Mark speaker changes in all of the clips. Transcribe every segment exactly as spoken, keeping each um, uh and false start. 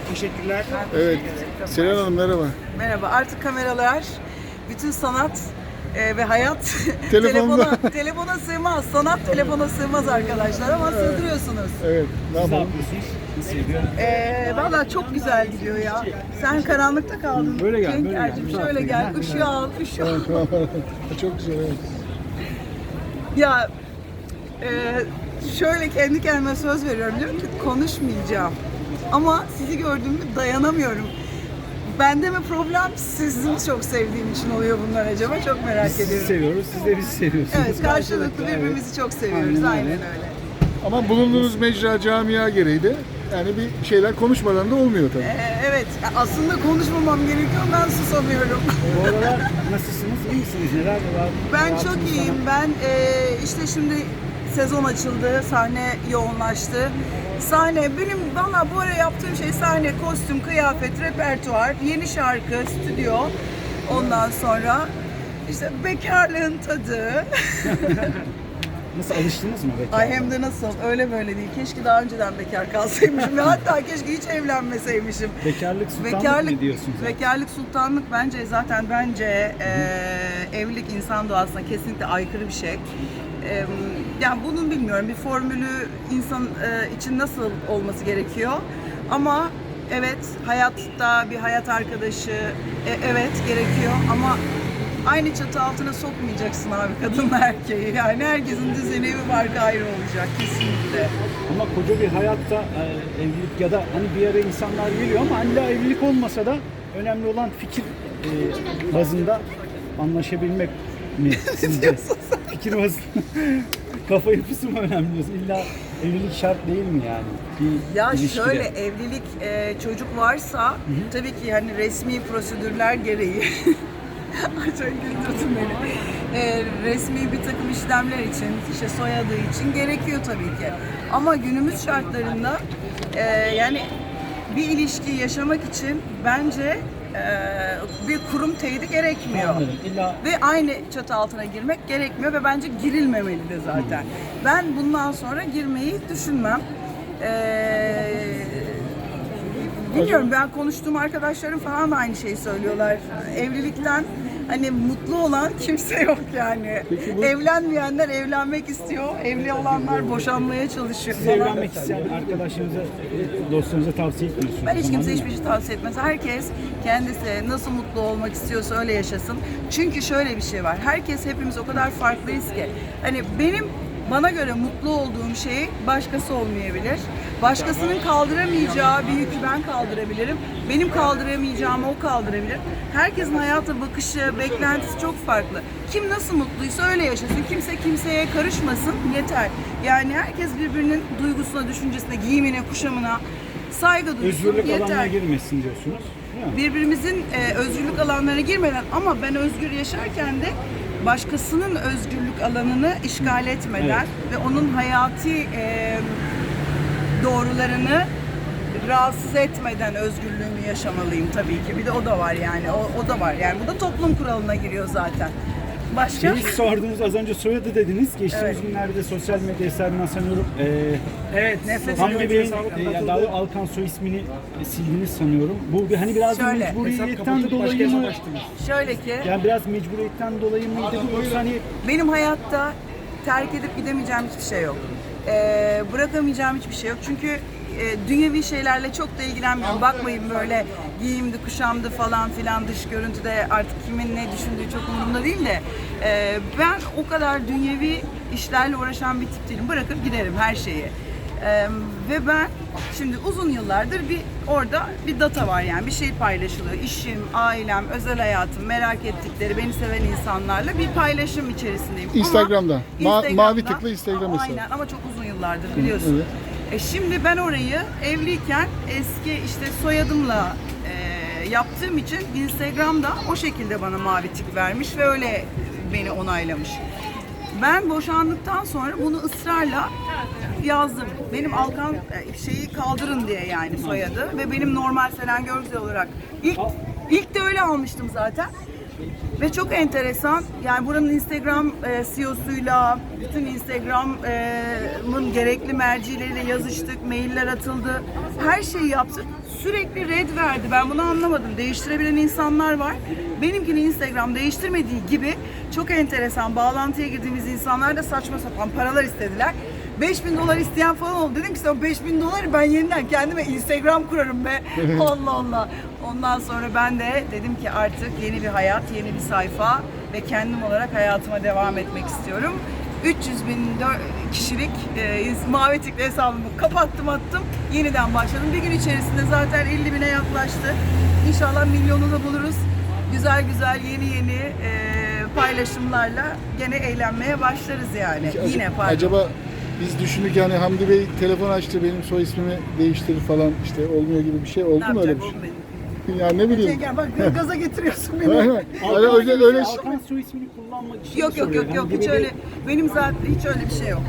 Speaker 1: Teşekkürler.
Speaker 2: Evet. Selen Hanım merhaba.
Speaker 3: Merhaba. Artık kameralar, bütün sanat e, ve hayat
Speaker 2: Telefonda.
Speaker 3: telefona, telefona sığmaz. Sanat telefona sığmaz arkadaşlar ama sığdırıyorsunuz.
Speaker 2: Evet. Ne
Speaker 1: Siz ne
Speaker 2: yapalım?
Speaker 1: yapıyorsunuz? Nasıl gidiyor?
Speaker 3: E, Valla çok güzel gidiyor ya. Sen karanlıkta kaldın.
Speaker 1: Böyle gel, böyle
Speaker 3: Cenk-Ercim,
Speaker 1: gel.
Speaker 3: şöyle gel.
Speaker 1: Ha,
Speaker 3: Işığı al, ışığı al.
Speaker 2: Çok güzel. Evet.
Speaker 3: Ya e, şöyle kendi kendime söz veriyorum. Diyorum ki konuşmayacağım. Ama sizi gördüğümde dayanamıyorum. Bende mi problem, sizi mi çok sevdiğim için oluyor bunlar acaba? Çok merak
Speaker 1: Biz sizi
Speaker 3: ediyorum.
Speaker 1: seviyoruz, siz de bizi seviyorsunuz.
Speaker 3: Evet, karşılıklı birbirimizi çok seviyoruz.
Speaker 1: Aynen
Speaker 3: Aynen
Speaker 1: öyle.
Speaker 3: öyle.
Speaker 2: Ama bulunduğunuz mecra camia gereği de yani bir şeyler konuşmadan da olmuyor tabii.
Speaker 3: Ee, evet, aslında konuşmamam gerekiyor, ben susamıyorum.
Speaker 1: Bu aralar nasılsınız, iyi misiniz, neler var?
Speaker 3: Ben çok
Speaker 1: Hayatınızda?
Speaker 3: iyiyim. Ben e, işte şimdi sezon açıldı, sahne yoğunlaştı. Sahne, benim valla bu ara yaptığım şey sahne, kostüm, kıyafet, repertuar, yeni şarkı, stüdyo. Ondan sonra işte bekarlığın tadı.
Speaker 1: Nasıl, alıştınız mı bekar?
Speaker 3: Ay hem de nasıl, öyle böyle değil. Keşke daha önceden bekar kalsaymışım ve hatta keşke hiç evlenmeseymişim.
Speaker 1: Bekarlık sultanlık mı diyorsunuz?
Speaker 3: Bekarlık sultanlık bence zaten bence e, evlilik insan doğasına kesinlikle aykırı bir şey. E, yani bunun bilmiyorum bir formülü insan e, için nasıl olması gerekiyor. Ama evet hayatta bir hayat arkadaşı e, evet gerekiyor ama aynı çatı altına sokmayacaksın abi kadınla erkeği. Yani herkesin düzeni evi barkı ayrı olacak kesinlikle.
Speaker 1: Ama koca bir hayatta e, evlilik ya da hani bir ara insanlar geliyor ama illa evlilik olmasa da önemli olan fikir e, bazında anlaşabilmek mi sizce? Fikir bazında kafa yapısı mı önemli diyorsun? İlla evlilik şart değil mi yani? Bir
Speaker 3: Ya
Speaker 1: ilişkide.
Speaker 3: şöyle evlilik e, çocuk varsa tabii ki hani resmi prosedürler gereği Ay çok güldürdün beni. E, resmi bir takım işlemler için, işte soyadı için gerekiyor tabii ki. Ama günümüz şartlarında e, yani bir ilişki yaşamak için bence e, bir kurum teyidi gerekmiyor.
Speaker 1: Anladım. İlla
Speaker 3: Ve aynı çatı altına girmek gerekmiyor ve bence girilmemeli de zaten. Ben bundan sonra girmeyi düşünmem. Ee, bilmiyorum, ben konuştuğum arkadaşlarım falan da aynı şeyi söylüyorlar. Evlilikten hani mutlu olan kimse yok yani.
Speaker 2: Peki bu-
Speaker 3: Evlenmeyenler evlenmek istiyor, evli olanlar boşanmaya çalışıyor
Speaker 1: siz
Speaker 3: falan.
Speaker 1: evlenmek isteyen arkadaşlarınıza, dostlarınıza tavsiye etmiyorsunuz.
Speaker 3: Ben hiç
Speaker 1: Tamam,
Speaker 3: kimse
Speaker 1: değil
Speaker 3: hiçbir
Speaker 1: mi?
Speaker 3: şey tavsiye etmez. Herkes kendisi nasıl mutlu olmak istiyorsa öyle yaşasın. Çünkü şöyle bir şey var. Herkes, hepimiz o kadar farklıyız ki. Hani benim bana göre mutlu olduğum şey başkası olmayabilir. Başkasının kaldıramayacağı bir yükü ben kaldırabilirim. Benim kaldıramayacağımı o kaldırabilir. Herkesin hayata bakışı, beklentisi çok farklı. Kim nasıl mutluysa öyle yaşasın. Kimse kimseye karışmasın yeter. Yani herkes birbirinin duygusuna, düşüncesine, giyimine, kuşamına saygı duysun
Speaker 1: Özgürlük
Speaker 3: yeter.
Speaker 1: alanına girmesin diyorsunuz. Değil mi?
Speaker 3: Birbirimizin e, özgürlük alanlarına girmeden ama ben özgür yaşarken de başkasının özgürlük alanını işgal etmeden ve onun hayati e, doğrularını rahatsız etmeden özgürlüğümü yaşamalıyım tabii ki. Bir de o da var yani. O, o da var. Yani bu da toplum kuralına giriyor zaten. Başka?
Speaker 1: Şeyi sordunuz az önce, soyadı dediniz. Geçtiğimiz
Speaker 3: Evet.
Speaker 1: günlerde sosyal medya hesabından sanıyorum. Ee,
Speaker 3: Evet, nefret
Speaker 1: Hamdi
Speaker 3: ediyorum.
Speaker 1: Bey'in, e, yani daha doğrusu Alkan soy ismini e, sildiniz sanıyorum. Bu bir- hani biraz da
Speaker 3: Şöyle,
Speaker 1: mecburiyetten dolayı mı?
Speaker 3: Şöyle ki
Speaker 1: Yani biraz mecburiyetten dolayı mıydı bu, yoksa hani
Speaker 3: benim hayatta terk edip gidemeyeceğim hiçbir şey yok. Ee, bırakamayacağım hiçbir şey yok. Çünkü e, dünyevi şeylerle çok da ilgilenmiyorum. Bakmayın böyle giyimdi, kuşamdı falan filan, dış görüntüde artık kimin ne düşündüğü çok umurumda değil de e, ben o kadar dünyevi işlerle uğraşan bir tip değilim. Bırakıp giderim her şeyi. Ee, ve ben şimdi uzun yıllardır bir orada bir data var, yani bir şey paylaşılıyor. İşim, ailem, özel hayatım, merak ettikleri, beni seven insanlarla bir paylaşım içerisindeyim. Ama
Speaker 2: Instagram'da. Ma-
Speaker 3: Instagram'da-
Speaker 2: mavi tıklı Instagram hesabı.
Speaker 3: Aynen, ama çok uzun yıllardır biliyorsun.
Speaker 2: Evet.
Speaker 3: E şimdi ben orayı evliyken eski işte soyadımla e, yaptığım için Instagram'da o şekilde bana mavi tik vermiş ve öyle beni onaylamış. Ben boşandıktan sonra bunu ısrarla yazdım. Benim Alkan e, şeyi kaldırın diye yani soyadı ve benim normal Selen Görgüzel olarak ilk ilk de öyle almıştım zaten. Ve çok enteresan, yani buranın Instagram e, C E O'suyla, bütün Instagram'ın gerekli mercileriyle yazıştık, mailler atıldı, her şeyi yaptık. Sürekli red verdi, ben bunu anlamadım. Değiştirebilen insanlar var. Benimkini Instagram değiştirmediği gibi çok enteresan, bağlantıya girdiğimiz insanlar da saçma sapan paralar istediler. beş bin dolar isteyen falan oldu. Dedim ki sen beş bin doları ben yeniden kendime Instagram kurarım be. Allah Allah. Ondan sonra ben de dedim ki artık yeni bir hayat, yeni bir sayfa ve kendim olarak hayatıma devam etmek istiyorum. üç yüz bin kişilik e, mavi tikli hesabımı kapattım, attım. Yeniden başladım. Bir gün içerisinde zaten elli bine yaklaştı. İnşallah milyonu da buluruz. Güzel güzel yeni yeni e, paylaşımlarla gene eğlenmeye başlarız yani.
Speaker 2: Ac-
Speaker 3: Yine pardon.
Speaker 2: Acaba biz düşündük yani Hamdi Bey telefon açtı benim soy ismimi değiştirir falan işte olmuyor gibi bir şey oldu
Speaker 3: ne
Speaker 2: mu öyle
Speaker 3: yapacak
Speaker 2: bir
Speaker 3: oğlum
Speaker 2: şey?
Speaker 3: benim?
Speaker 2: Ya ne bileyim.
Speaker 3: Gel bak gaza getiriyorsun beni.
Speaker 2: Aynen. Öyle öyle öyle şey-
Speaker 1: Alkan soy ismini kullanmak için
Speaker 3: Yok yok yok
Speaker 1: soruyor.
Speaker 3: yok
Speaker 1: Yani
Speaker 3: hiç
Speaker 1: gibi
Speaker 3: öyle benim zaten hiç öyle bir şey yok.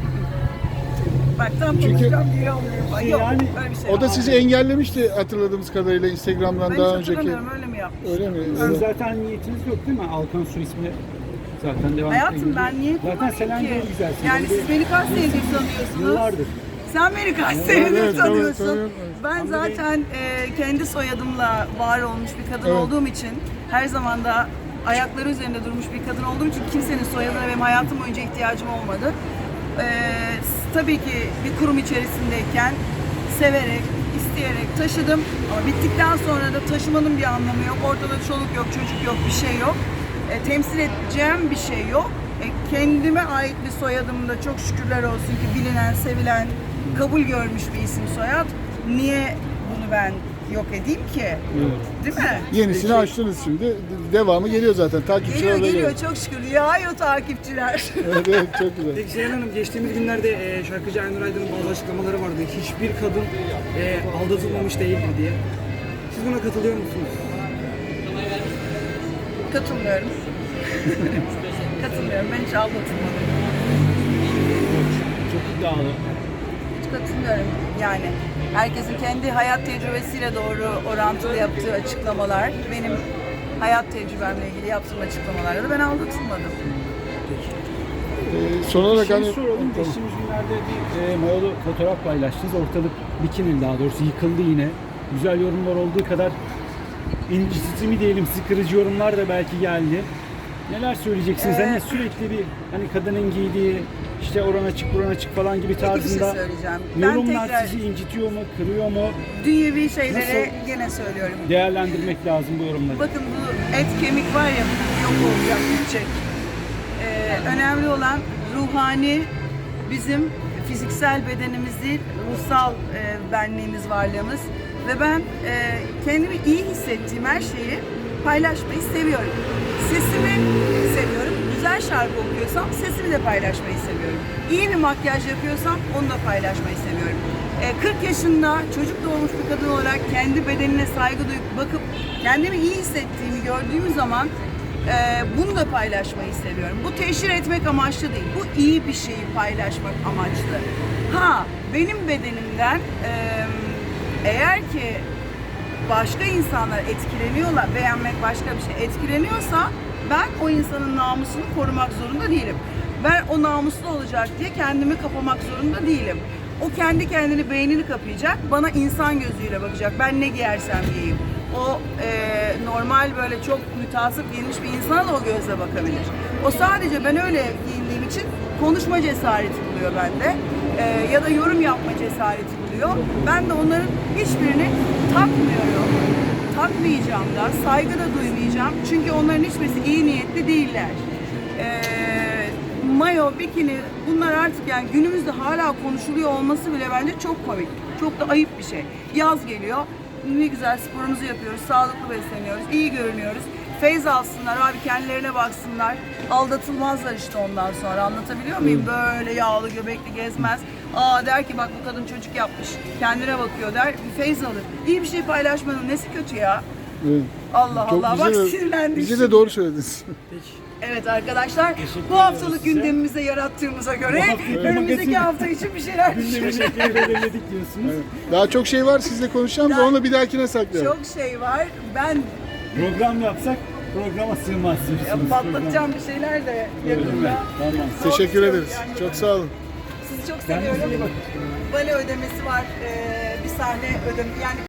Speaker 3: Bak tam
Speaker 2: Çünkü-
Speaker 3: konuşacağım geri alıyorum. Ay,
Speaker 1: Şey
Speaker 3: yok
Speaker 1: yani,
Speaker 3: öyle bir şey
Speaker 2: O
Speaker 3: yok.
Speaker 2: da sizi engellemişti hatırladığımız kadarıyla Instagram'dan
Speaker 3: Ben
Speaker 2: daha
Speaker 3: hiç
Speaker 2: önceki.
Speaker 3: hatırlamıyorum öyle mi yapmış?
Speaker 2: Öyle mi?
Speaker 1: Sizin zaten niyetiniz yok değil mi? Alkan soy ismini zaten devam
Speaker 3: Hayatım
Speaker 1: etmek
Speaker 3: ben
Speaker 1: gibi.
Speaker 3: niye
Speaker 1: Zaten
Speaker 3: kullanayım
Speaker 1: Selen
Speaker 3: ki?
Speaker 1: değil güzelsin.
Speaker 3: Yani
Speaker 1: Böyle
Speaker 3: siz beni kaç senedir tanıyorsunuz?
Speaker 1: Yıllardır.
Speaker 3: Sen beni kaç
Speaker 2: Evet,
Speaker 3: senedir
Speaker 2: evet,
Speaker 3: tanıyorsun?
Speaker 2: tanıyorum.
Speaker 3: Ben
Speaker 1: Hamdi Bey-
Speaker 3: zaten e, kendi soyadımla var olmuş bir kadın
Speaker 2: Evet.
Speaker 3: olduğum için, her zaman da ayakları üzerinde durmuş bir kadın olduğum için kimsenin soyadına benim hayatım boyunca ihtiyacım olmadı. E, tabii ki bir kurum içerisindeyken severek, isteyerek taşıdım. Ama bittikten sonra da taşımanın bir anlamı yok. Ortada çoluk yok, çocuk yok, bir şey yok. E, temsil edeceğim bir şey yok. E, kendime ait bir soyadım da çok şükürler olsun ki bilinen, sevilen, kabul görmüş bir isim soyad. Niye bunu ben yok edeyim ki? Değil mi?
Speaker 2: Yenisini açtınız şimdi. De- Devamı geliyor zaten. Takipçiler
Speaker 3: Geliyor
Speaker 2: de
Speaker 3: geliyor çok şükür. Yağıyor takipçiler.
Speaker 2: Evet, evet çok güzel.
Speaker 4: Peki Selen Hanım, geçtiğimiz günlerde e, şarkıcı Aynur Aydın'ın bazı açıklamaları vardı. Hiçbir kadın e, aldatılmamış değildir diye. Siz buna katılıyor musunuz?
Speaker 3: Katılmıyorum. Katılmıyorum. Ben hiç aldatılmadım.
Speaker 1: Çok iddialı.
Speaker 3: Hiç katılmıyorum. Yani herkesin kendi hayat tecrübesiyle doğru orantılı yaptığı açıklamalar, benim hayat tecrübemle ilgili yaptığım açıklamalarda da ben aldatılmadım.
Speaker 2: Ee, son olarak
Speaker 1: Şimdi
Speaker 2: hani...
Speaker 1: şey soralım.
Speaker 2: Tamam.
Speaker 1: Geçtiğimiz günlerde bir e, mayolu fotoğraf paylaştınız. Ortalık bikini daha doğrusu yıkıldı yine. Güzel yorumlar olduğu kadar incitici mi diyelim, sıkırıcı yorumlar da belki geldi. Neler söyleyeceksiniz?
Speaker 3: Ee,
Speaker 1: hani sürekli bir hani kadının giydiği işte oran açık buran açık falan gibi
Speaker 3: Peki bir şey
Speaker 1: tarzında
Speaker 3: söyleyeceğim. Ben
Speaker 1: yorumlar
Speaker 3: tekrar
Speaker 1: sizi incitiyor mu, kırıyor mu?
Speaker 3: dünyevi şeylere
Speaker 1: Nasıl?
Speaker 3: gene söylüyorum.
Speaker 1: Değerlendirmek lazım bu yorumları.
Speaker 3: Bakın bu et kemik var ya, yok olacak, gidecek. Ee, önemli olan ruhani, bizim fiziksel bedenimiz değil, ruhsal e, benliğimiz, varlığımız. Ve ben e, kendimi iyi hissettiğim her şeyi paylaşmayı seviyorum. Sesimi seviyorum. Güzel şarkı okuyorsam sesimi de paylaşmayı seviyorum. İyi bir makyaj yapıyorsam onu da paylaşmayı seviyorum. E, kırk yaşında çocuk doğmuş bir kadın olarak kendi bedenine saygı duyup bakıp kendimi iyi hissettiğimi gördüğüm zaman e, bunu da paylaşmayı seviyorum. Bu teşhir etmek amaçlı değil. Bu iyi bir şeyi paylaşmak amaçlı. Ha, benim bedenimden e, eğer ki başka insanlar etkileniyorlar, beğenmek başka bir şey etkileniyorsa ben o insanın namusunu korumak zorunda değilim. Ben o namuslu olacak diye kendimi kapamak zorunda değilim. O kendi kendini beynini kapayacak, bana insan gözüyle bakacak. Ben ne giyersem giyeyim. O e, normal böyle çok mütasip giyinmiş bir insana da o gözle bakabilir. O sadece ben öyle giyindiğim için konuşma cesareti buluyor bende. E, ya da yorum yapma cesareti buluyor. Ben de onların hiçbirini takmıyorum. Takmayacağım da, saygı da duymayacağım. Çünkü onların hiçbirisi iyi niyetli değiller. Ee, mayo, bikini bunlar artık yani günümüzde hala konuşuluyor olması bile bence çok komik. Çok da ayıp bir şey. Yaz geliyor. Ne güzel sporumuzu yapıyoruz, sağlıklı besleniyoruz, iyi görünüyoruz. Feyz alsınlar abi, kendilerine baksınlar. Aldatılmazlar işte ondan sonra. Anlatabiliyor muyum? Böyle yağlı göbekli gezmez. Aa der ki bak bu kadın çocuk yapmış. Kendine bakıyor der. Bir feyz alır. İyi bir şey paylaşmanın nesi kötü ya?
Speaker 2: Evet.
Speaker 3: Allah
Speaker 2: Çok
Speaker 3: Allah. Bak
Speaker 2: bize de-
Speaker 3: sinirlendim.
Speaker 2: Bize
Speaker 3: şimdi.
Speaker 2: de doğru söylediniz.
Speaker 3: Evet arkadaşlar,
Speaker 1: Teşekkür
Speaker 3: bu haftalık
Speaker 1: ediyoruz size.
Speaker 3: gündemimize yarattığımıza göre
Speaker 1: Bu hafta-
Speaker 3: önümüzdeki
Speaker 1: magazin-
Speaker 3: hafta için bir şeyler
Speaker 1: Gündemi
Speaker 3: düşünüyoruz.
Speaker 1: şekli belirledik diyorsunuz.
Speaker 2: Evet. Daha çok şey var sizle konuşacağım da
Speaker 3: Daha-
Speaker 2: onu bir dahakine saklayalım.
Speaker 3: Çok şey var. Ben
Speaker 1: Program yapsak programa sığmaz.
Speaker 3: Ya patlatacağım bir şeyler de yakında.
Speaker 1: Tamam.
Speaker 3: Zor
Speaker 2: Teşekkür
Speaker 3: bir şey yok
Speaker 2: ederiz.
Speaker 3: yani.
Speaker 2: Çok sağ olun.
Speaker 3: Sizi çok
Speaker 1: Kendinize iyi
Speaker 3: seviyorum.
Speaker 1: bakın.
Speaker 3: Bale ödemesi var. Ee, bir sahne ödem yani